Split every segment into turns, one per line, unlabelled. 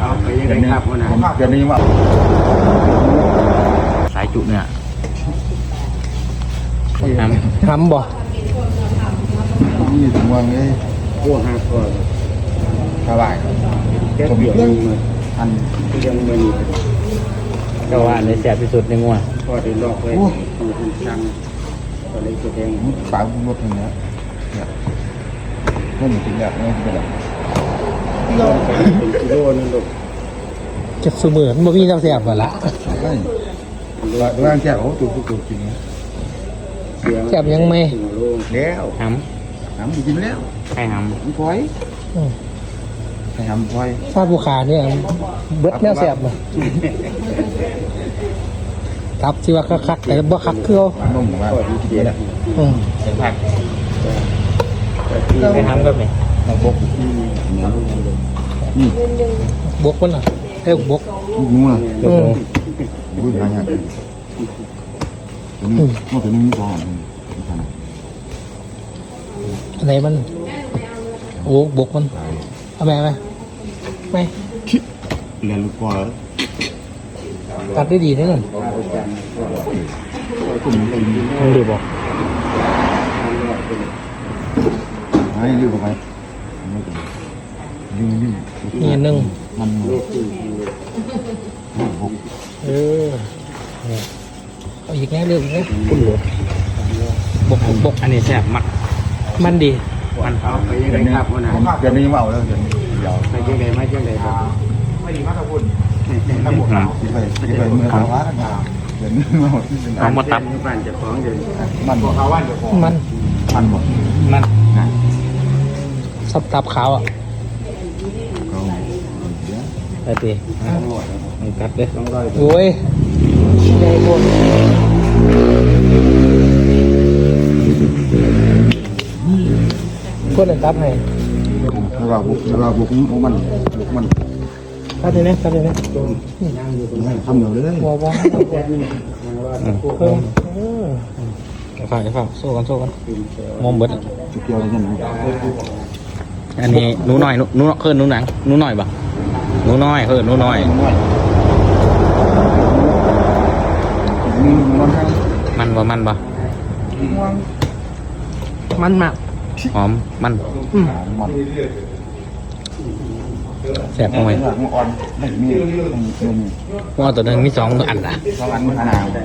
เอาไปยังไงครับวันนั้น
เดี๋ยวนี้ว่า
สายจุเนี่ย
ทำบ่
นี่ถึงว่าไง
พวกหักก่อน
สบาย
แค่เดียวมัน
อัน
ยังมัน
ก็ว่าในแสบที่สุดในงัว
พอได้ลอกไว้ของคุณช่างก็เลยตัวเอง
ฝาบุ้งรถอย่างเงี้ยเนี่ยนั่นถึงแบบนี้เป็นแบบ
เป็นกิโลนึงลูก
จะเสมือนบ่มีน้ำแซ่บบ่ละ
ไม่ร่างแก้วตัวตัวกินเนี่ย
แซ่บยังไม่
แล้ว
ห
หำกินแล้ว
ำใครห
หำพลอยให้หำพลอย
ถ้าผู้ขาเนี่ยเบิดแนวแซ่บบ่ครับที่ว่าคักๆแต่บ่คักคือเอา
นุ่มมากกินเนี่ย
อืม
ำเสียงผักไปทำก็ไหม
น้ำบกนี่
บกมันน่ะเอ้ยบก
งูน่ะ
อืม
อุ้ยหายากตัวนี้ตัวนี้มีตัวหอม
อันไหนมันโอ้บกมันเอาแม่ไหมไม่
เรียนลูกกว่า
ตัดได้ดีแน่นอน
ตัวนี้กิน
มันดีบ่
ให้ยืดเข้าไปยืด
นี่อันหนึง
มันบก
เออเนี่ยเอาอีกแน่เรื่องอีกแน่คุณหลวงบก
อันนี้แสบมัก
มันดี
มัน
เอาไปยังไงครับวันนั้น
เดี๋ยวนี้มาเอาแล้วเดี๋ยวเดี๋ยว
ไปยังไงมายังไงครับ
ไปเมื่อวานเดี๋ยวนี้มาหมดที่เป็น
เอามาตับ
บ้านจะฟ้องเดี๋ยว
มันบอก
มัน
มันบอก
มัน
สับตับขาวอ่ะ
ก็
ไปตีมันกัดเลย
ต้องร้อย
โอ้ยใหญ่พวกพวกนั้นตับให้
เราบุกมันมัน
ตัดเลยนะตัดเลยนะ
ทำเดี๋ยวเลย
ว้าวว้าว
แค่นี้มันว่าพวก
เพิ่มฝ่ายโซ่กันมอมเบิด
จุดเดียวเลยใช่ไหม
อันนี้หนูหน่อยหนูเพิ่นหนูหนังหนูหน่อยปะหนูน้อยเพิ่นหนูน้อย
มีมันให้
มันบ่มันบ่
มันมาก
หอมมัน
มัน
แสบเอาไหม
มันอ่อนไม่มีมัน
งัวตัวหนึงมี2อันล่ะ
สวรรค์ขนาด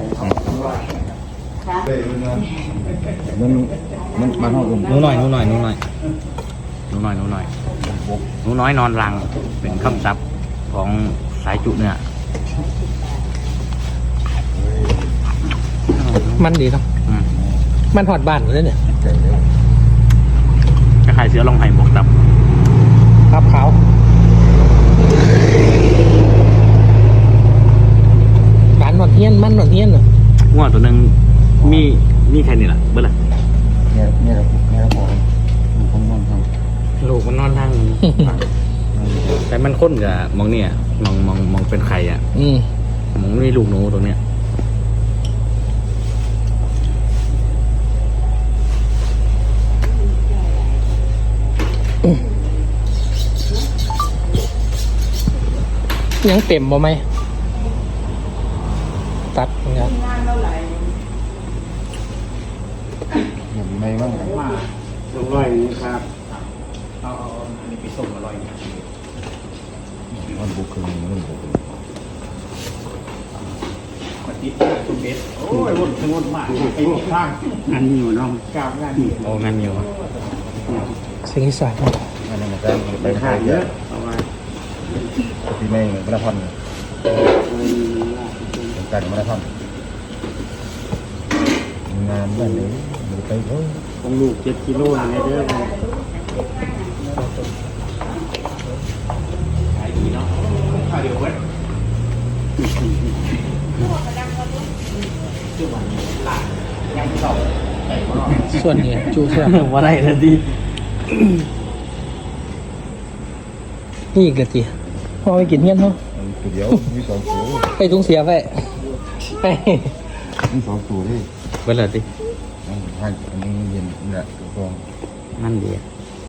มันห้อง
หนูน้อยหนูน้อยหนูน้อยหนูน้อยหนูน้อยหนูน้อยนอนรังเป็นคำศัพท์ของสายจุเนี่ย
มันดีเนาะ
อืม
มันหอดบ้านเลยเนี่ย
คล้ายๆเสือลองไห้บวกตับ
ครับขาวบ้านหอดเฮียนมันหอดเฮียนเนาะ
งัวตัวหนึงมีแค่นี้ล่ะเบิ่ล่ะ
เนี่ยเราพอผมนอนทำ
ลูกมันนอนทาง แต่มันค้นกับมองเนี่ยมองเป็นไข่อ่ะ
อืม
มองมีลูกหนูตรงเนี้ย
ยังเต็มบ่ไหมตัดเนี่ย
อย่างไรบ้าง
ต้องร้อยนี่ครับ
มันบุกคือมันบุก
โอ้ยวนวนมากไอ้ข้างอันนี้อยู่น้องกราบงานนี่
โอ้งั้นอยู่
สิ่งที่สาย
อันนั้นมันจะ
ไปถ่ายเยอะเพราะว่า
ที่ไม่ไม่ได้พันการไม่ได้พันงานบ้านนี้มันไปเถอะ
ของลูก7 กิโลในเด้อ
ส่วนนี้จูเสีย
ว่าได้ทันที
นี่อีกละทีพอไปกินเงี้ยเนาะ
เดี๋ยวมีสองตัว
ไปทุ่งเสียไปไป
มีสองตัวที่
เบิ่ล่ะติ
ให้อันนี้เย็นนี่แหละตัว
มันดี